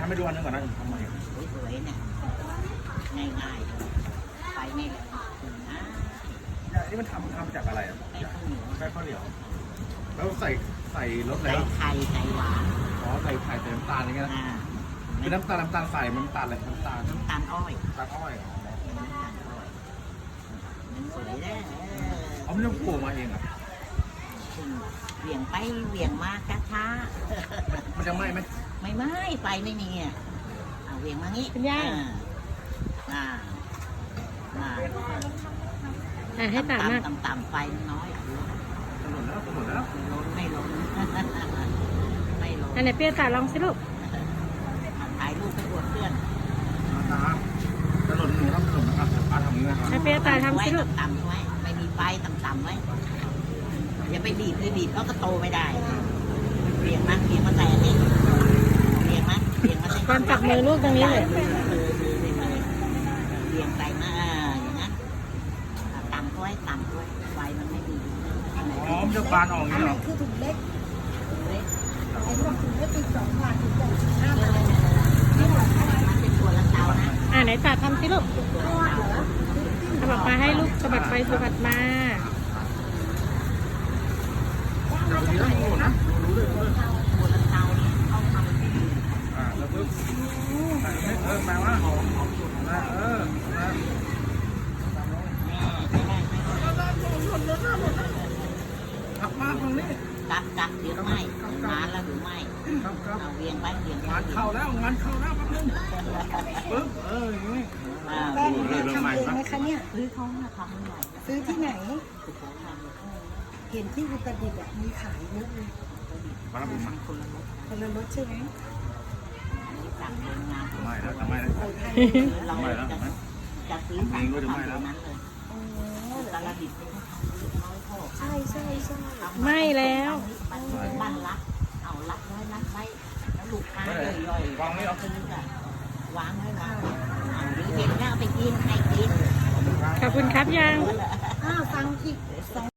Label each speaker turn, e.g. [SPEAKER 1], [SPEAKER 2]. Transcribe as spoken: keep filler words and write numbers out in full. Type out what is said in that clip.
[SPEAKER 1] ทำไปดูอันนึงก่อนนะทำไม
[SPEAKER 2] สวยๆเนี่ยง่ายๆไปไม่เลยนะ
[SPEAKER 1] นี่มันทำทำจากอะไรอ่ะ
[SPEAKER 2] ไปข้าวเหนียว
[SPEAKER 1] แป้งข้าวเหนียวแล้วใส่ใส่รสอะไร
[SPEAKER 2] ใส่ไข่ใส่หวาน
[SPEAKER 1] อ๋อใส่ไข่ใส่น้ำตาลอย่างเงี้ยนะ
[SPEAKER 2] อ่า
[SPEAKER 1] เป็นน้ำตาลน้ำตาลใส่มันน้ำตาลอะไรน้ำตาล
[SPEAKER 2] น้ำตาลอ้อย
[SPEAKER 1] น้ำตาลอ้อยเหรอ
[SPEAKER 2] น้ำตาลอ้อยมันสวยได้
[SPEAKER 1] อ๋อมันต้องปลูกมาเองอ่ะ
[SPEAKER 2] เหวี่ยงไปเหวี่ยงมาช้า
[SPEAKER 1] มันจะไหม้ไหม
[SPEAKER 2] ๆไม่ไม่ไฟไม่มีอ่ะเอาเหวี่ยงมางี้
[SPEAKER 3] คุณย่า
[SPEAKER 2] อ่าอ่า
[SPEAKER 3] อ่ะให้ตามมาก
[SPEAKER 2] ต่ำต่ำๆไฟน้อย
[SPEAKER 1] จะหล่นแล้วจะหล่นแล้ว
[SPEAKER 2] ไม่ล้นไม่ล้นไม่ล้น
[SPEAKER 3] อันไหนเปรี้ยวตาลองสิลูก
[SPEAKER 2] ถ่ายรูปไปอวดเพื่อน
[SPEAKER 1] ตาจะหล่นหนูทำขนมนะครับปลาทำอย่างนี้นะครับ
[SPEAKER 3] ให้เปรี้ยวตาทำสิลูก
[SPEAKER 2] ต่ำๆไว้ไม่มีไฟต่ำๆไว้อย่าไปบีบเลยบีบเขาก็โตไม่ได้เบี่ยงมาเบี่ยงมาแต่นี่เบี่ยงมาเบี่ยงมา
[SPEAKER 3] ก่อนจับมือลูกตรงนี้เลย
[SPEAKER 2] เบี่ยงไปมาอย่างนั้นต่ำด้วยต่ำด้วยไฟมันไม่มี
[SPEAKER 1] อ๋อมันจะบานออกอย่างนี้เหรอ
[SPEAKER 4] คือถุงเล็ก
[SPEAKER 2] เล็ก
[SPEAKER 4] ไอ้พวกถุงเล็กเป็นสองบาทถึงจะห้าบาท
[SPEAKER 2] มันเป็นตัวละเตานะ
[SPEAKER 3] อ่ะไหนตาทำสิลูก
[SPEAKER 4] ทอดเหรอ
[SPEAKER 3] สะบัดมาให้ลูกสะบัดไปสะบัดมา
[SPEAKER 1] เดี๋ยวนี้ต้องหล่นนะรู้เลยรู้เลย
[SPEAKER 2] ตัวละเตาเนี่ยเขาทำที่
[SPEAKER 1] อ่าแล้วปึ๊บใส่ไม่เออแปลว่าหอมหอมสุดนะเออนะ
[SPEAKER 2] แม่ไม่ได้ไม่ได้
[SPEAKER 1] ขับมาตรงนี้
[SPEAKER 2] กักกักเดี๋ยวไม่นานแล้วหรือไม่
[SPEAKER 1] ครับครับ
[SPEAKER 2] เอาเวียงไปเวียงไป
[SPEAKER 1] งานเข้าแล้วงานเข้าแล้วแป๊บนึงปึ๊บเอออย่างนี้
[SPEAKER 2] อ่า
[SPEAKER 4] แป้งเนี่ยทำเองไหมคะเนี่ย
[SPEAKER 2] ซื้อเขามาทำหน่อย
[SPEAKER 4] ซื้อที่ไหน
[SPEAKER 2] คือเขาทำ
[SPEAKER 4] เห็นที่อุตรดิตถ์อ่ะมีขายเยอะเลย
[SPEAKER 1] มาแล้วผมมา
[SPEAKER 2] คนละรส
[SPEAKER 4] คนละรสใช่ไหม
[SPEAKER 2] นี่สั่งโรงงาน
[SPEAKER 1] ไม่แล้วทำไมแล้ว
[SPEAKER 4] ใส่ไทย
[SPEAKER 2] เราจะจะซื้อสั่งทำตรงนั้นเลย
[SPEAKER 4] โอ้
[SPEAKER 2] ตลาดดิบนี่เขาทำน้อยพ่อ
[SPEAKER 4] ใช่ใช่ใช่
[SPEAKER 3] ไม่แล้ว
[SPEAKER 2] บ้านรักเอารักน้อยรักไว้แล้วลูกค้าย่อยๆ
[SPEAKER 1] วางนี่เหรอ
[SPEAKER 2] ซื้ออะวางไว้นะเอาหรือเห็นแล้วเอาไปกินให้กิน
[SPEAKER 3] ขอบคุณครับยัง
[SPEAKER 4] อ้าวฟังอีกสอง